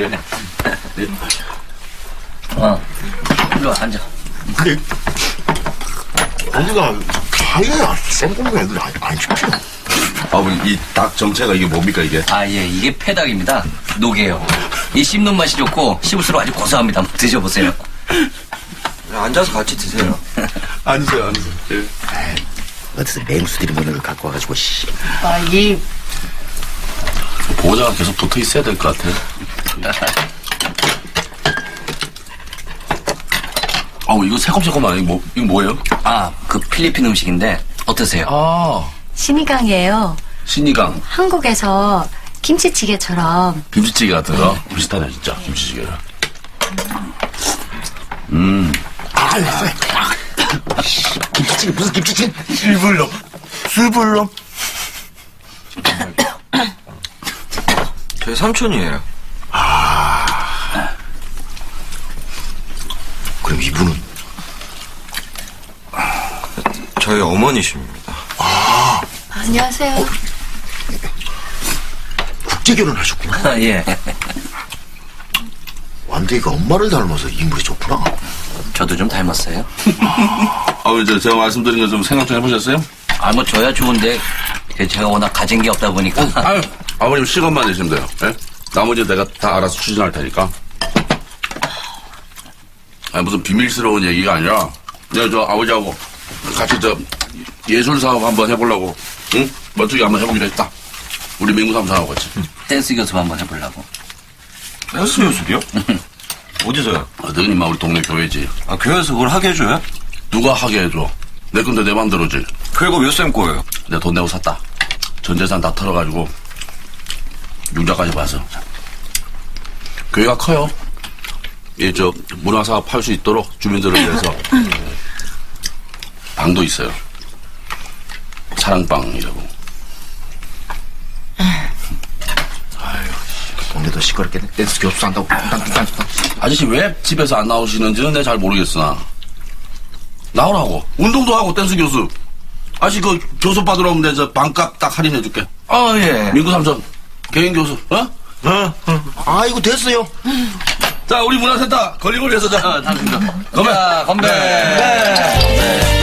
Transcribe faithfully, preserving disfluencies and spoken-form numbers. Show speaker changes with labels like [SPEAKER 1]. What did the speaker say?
[SPEAKER 1] 이러네. 어, 일로 와, 앉아.
[SPEAKER 2] 근데 어디가 하이가 생고기 애들 안, 안 시켜.
[SPEAKER 3] 아버님, 이 닭 정체가 이게 뭡니까, 이게?
[SPEAKER 1] 아, 예, 이게 패닭입니다. 녹이에요. 이 씹는 맛이 좋고, 씹을수록 아주 고소합니다. 한번 드셔보세요.
[SPEAKER 4] 앉아서 같이 드세요.
[SPEAKER 3] 앉으세요, 앉으세요. 예.
[SPEAKER 2] 어디서 맹수들이 먹는 걸 갖고 와가지고, 씨.
[SPEAKER 5] 아, 이
[SPEAKER 3] 보호자가 계속 붙어 있어야 될 것 같아요. 아우, 이거 새콤새콤하네. 이거 뭐, 이거 뭐예요?
[SPEAKER 1] 아, 그 필리핀 음식인데, 어떠세요?
[SPEAKER 3] 아,
[SPEAKER 6] 신이강이에요.
[SPEAKER 3] 신이강.
[SPEAKER 6] 한국에서 김치찌개처럼.
[SPEAKER 3] 김치찌개 같은 거. 비슷하네, 진짜. 김치찌개랑. 음.
[SPEAKER 2] 아, 김치찌개, 무슨 김치찌개? 술불놈. 술불놈.
[SPEAKER 4] 저희 삼촌이에요.
[SPEAKER 2] 그럼 이분은?
[SPEAKER 4] 저희 어머니십니다.
[SPEAKER 6] 안녕하세요.
[SPEAKER 2] 국제결혼 하셨구나.
[SPEAKER 1] 아, 예.
[SPEAKER 2] 완대이가 엄마를 닮아서 인물이 좋구나.
[SPEAKER 1] 저도 좀 닮았어요.
[SPEAKER 3] 아우, 저, 제가 말씀드린 거 좀 생각 좀 해보셨어요?
[SPEAKER 1] 아, 뭐, 줘야 좋은데, 제가 워낙 가진 게 없다 보니까.
[SPEAKER 3] 아유, 아버님 시간만 내시면 돼요. 예? 나머지 내가 다 알아서 추진할 테니까. 아니, 무슨 비밀스러운 얘기가 아니라, 내가 저 아버지하고 같이 저 예술 사업 한번 해보려고, 응? 멋지게 한번 해보기로 했다. 우리 민구 삼촌하고 같이.
[SPEAKER 1] 댄스 교습 한번 해보려고.
[SPEAKER 4] 댄스 교습이요? 어디서요?
[SPEAKER 3] 어떤 임마 우리 동네 교회지.
[SPEAKER 4] 아, 교회에서 그걸 하게 해줘요?
[SPEAKER 3] 누가 하게 해줘? 내 건데 내 맘대로지.
[SPEAKER 4] 그리고 몇 쌤 거예요?
[SPEAKER 3] 내가 돈 내고 샀다. 전 재산 다 털어가지고 융자까지 봐서. 교회가 커요. 예, 저 문화사업 할 수 있도록 주민들을 위해서 방도 있어요. 사랑방이라고.
[SPEAKER 2] 동네도 시끄럽겠네. 댄스 교수 한다고. 딴딴딴딴.
[SPEAKER 3] 아저씨 왜 집에서 안 나오시는지는 내가 잘 모르겠으나 나오라고. 운동도 하고 댄스 교수. 아저씨 그 교수 받으러 오면 내가 저 반값 딱 할인해줄게.
[SPEAKER 1] 아, 예.
[SPEAKER 3] 민구 삼촌 개인 교수. 어?
[SPEAKER 2] 어? 아이고, 됐어요.
[SPEAKER 3] 자, 우리 문화센터 걸리걸리해서 자.
[SPEAKER 1] 아, 당신도.
[SPEAKER 3] 건배.
[SPEAKER 1] 자, 건배. 건배.